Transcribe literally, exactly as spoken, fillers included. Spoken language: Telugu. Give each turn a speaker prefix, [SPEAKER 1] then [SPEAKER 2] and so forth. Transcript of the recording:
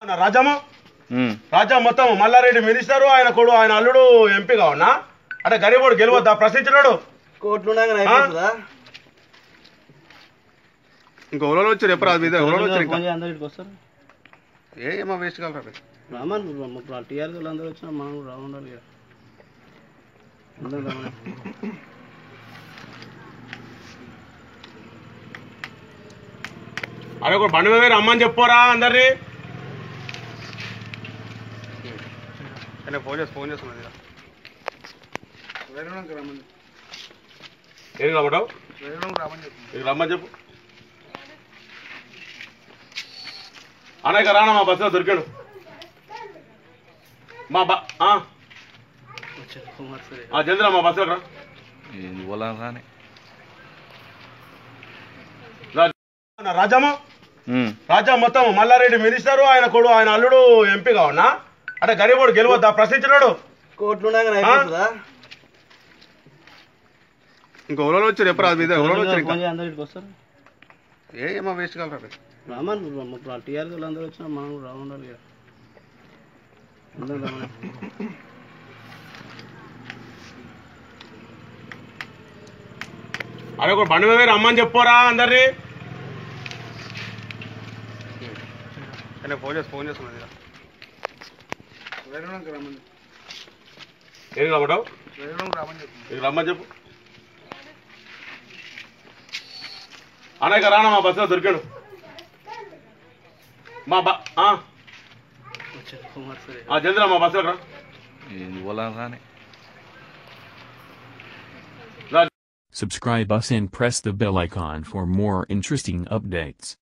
[SPEAKER 1] రాజమ్మ రాజా మొత్తం మల్లారెడ్డి మినిస్టరు ఆయన కొడు ఆయన అల్లుడు ఎంపీ కావన్నా అంటే గరీబోడు గెలవద్దా ప్రశ్నించినాడు
[SPEAKER 2] కోట్లు
[SPEAKER 1] ఇంకా ఎవరో వచ్చారు ఎప్పుడు అది మీద ఎవరో వచ్చారు
[SPEAKER 2] అందరికి వస్తారు
[SPEAKER 1] ఏమో వేస్ట్ కలరా
[SPEAKER 2] రామన్ టీఆర్ అందరూ వచ్చినా మనం కూడా రావాలి కదా
[SPEAKER 1] అరే ఒక బండి మీద రమ్మని చెప్పోరా అందరినీ ఫోన్ చేసి ఫోన్ చేస్తున్నది ఏం రమ్మంటావు రమ్మని చెప్పు అనేక రానా మా బస్సులో దొరికాడు మా బా చంద్ర మా బస్సులో రా రాజమ్మ రాజా మొత్తం మల్లారెడ్డి మినిస్టరు ఆయన కొడు ఆయన అల్లుడు ఎంపీ కావన్నా అంటే గరీబోడు గెలవద్దా ప్రశ్నించినాడు
[SPEAKER 2] కోట్లు
[SPEAKER 1] ఇంకా ఎవరో వచ్చారు ఎప్పుడు అది మీద ఎవరో వచ్చారు
[SPEAKER 2] అందరికి వస్తారు
[SPEAKER 1] ఏమో వేస్ట్ కలరా
[SPEAKER 2] రామన్ టీఆర్ అందరూ వచ్చినా మనం కూడా రావాలి కదా
[SPEAKER 1] అరే ఒక బండి మీద రమ్మని చెప్పోరా అందరినీ ఫోన్ చేసి ఫోన్ చేస్తున్నది ఏం రమ్మంటావు రమ్మని చెప్పు అనేక రానా మా బస్సులో దొరికాడు మా బా చంద్ర మా బస్సులో రా
[SPEAKER 3] Subscribe us and press the bell icon for more interesting updates.